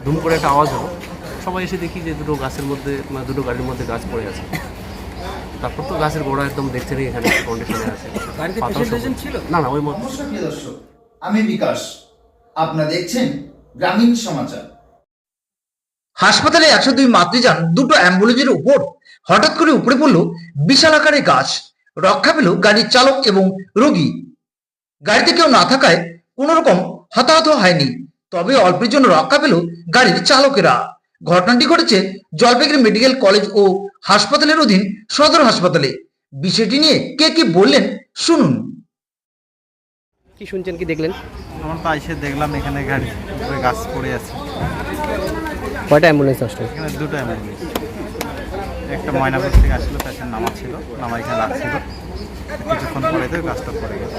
ধুম করে একটা আওয়াজ হলো, সবাই এসে দেখি যে দুটো গাছের মধ্যে দুটো গাড়ির মধ্যে গাছ পড়ে আছে। তারপর তো গাছের গোড়া একদম দেখতে নেই এখানে কন্ডিশনে আছে। না না ওই মতো। প্রিয় দর্শক, আমি বিকাশ, আপনারা দেখছেন গ্রামীণ সমাচার। হাসপাতালে 102 মাতৃযান দুটো অ্যাম্বুলেন্সের উপর হঠাৎ করে উপড়ে পড়ল বিশাল আকারের গাছ। রক্ষা পেল গাড়ির চালক এবং রোগী। গাড়িতে কেউ না থাকায় কোনো রকম হতাহত হয়নি, তবে অল্পের জন্য রক্ষা পেল গাড়ির চালকেরা। ঘটনাটি ঘটেছে জলপাইগুড়ি মেডিকেল কলেজ ও হাসপাতালের অধীন সদর হাসপাতালে। বিষয়টি নিয়ে কে কি বললেন শুনুন। কি শুনছেন, কি দেখলেন? আমরা তো এসে দেখলাম এখানে গাড়ি উপরে গাছ পড়ে আছে। কয়টা অ্যাম্বুলেন্স আসলো? এখানে দুটো অ্যাম্বুলেন্স, একটা ময়নাপুর থেকে আসলো, পেশেন্ট নামাচ্ছিল, নামা এখানে রাখছিল, কিছুক্ষণ পরে তো গাছটা পড়ে গেল।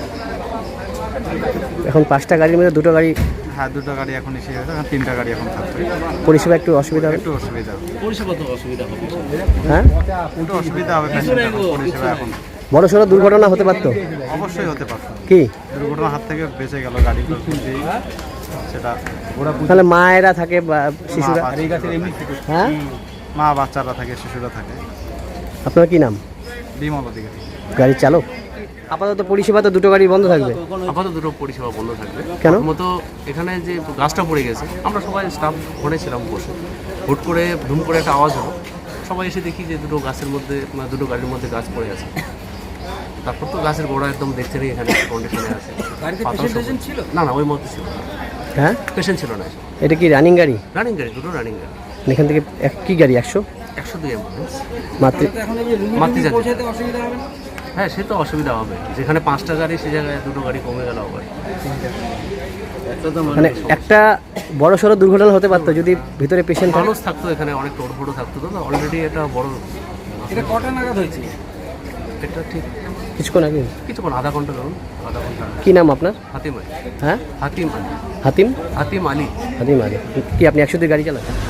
এখন 5টা গাড়ির মধ্যে দুটো গাড়ি হ্যাঁ, দুটো গাড়ি এখন এসে গেছে, এখন 3টা গাড়ি এখন থাকবে। পরিষেবা একটু অসুবিধা হবে। একটু অসুবিধা হবে, পরিষেবা তো অসুবিধা হবে। হ্যাঁ, একটু অসুবিধা হবে পেশেন্টের পরিষেবা এখন। বড় সড়ো দুর্ঘটনা হতে পারতো। অবশ্যই হতে পারত, কি দুর্ঘটনার হাত থেকে বেঁচে গেল গাড়ি যেই সেটা। তাহলে মায়েরা থাকে বা শিশুরা। হ্যাঁ, মা বাচ্চারা থাকে, শিশুরা থাকে। আপনার কি নাম? বিমল অধিকারী। গাড়ির চালক। আপাতত পরিষেবা তো দুটো গাড়ি বন্ধ থাকবে। আপাতত দুটো পরিষেবা বন্ধ থাকবে। কেন? মতো এখানে যে গাছটা পড়ে গেছে, আমরা সবাই স্টাফ ঘরে ছিলাম বসে, হুট করে ধুম করে একটা আওয়াজ হলো, সবাই এসে দেখি যে দুটো গাছের মধ্যে দুটো গাড়ির মধ্যে গাছ পড়ে আছে। তারপর তো গাছের গোড়া একদম দেখতে নেই এখানে কন্ডিশনে আছে। না না ওই মতো ছিল না, হ্যাঁ, পেশেন্ট ছিল না। এটা কি রানিং গাড়ি? রানিং গাড়ি, দুটো রানিং গাড়ি। এখান থেকে কি গাড়ি? 102 অ্যাম্বুলেন্স মাতৃ। হ্যাঁ, সে তো অসুবিধা হবে, যেখানে 5টা গাড়ি সে জায়গায় দুটো গাড়ি কমে গেল আবার। মানে একটা বড় সড়ো দুর্ঘটনা হতে পারতো যদি ভিতরে পেশেন্ট মানুষ থাকতো, এখানে অনেক টোড়ফোড়ো থাকতো। তো অলরেডি এটা বড়। এটা কটা নাগাদ হয়েছে? এটা ঠিক কিছুক্ষণ আগে। কিছুক্ষণ, আধা ঘন্টা ধরুন, আধা ঘন্টা। কি নাম আপনার? হাতিম আলী। হ্যাঁ, হাতিম আলী। হাতিম হাতিম আলী। হাতিম আলী। কি আপনি 102 গাড়ি চালান?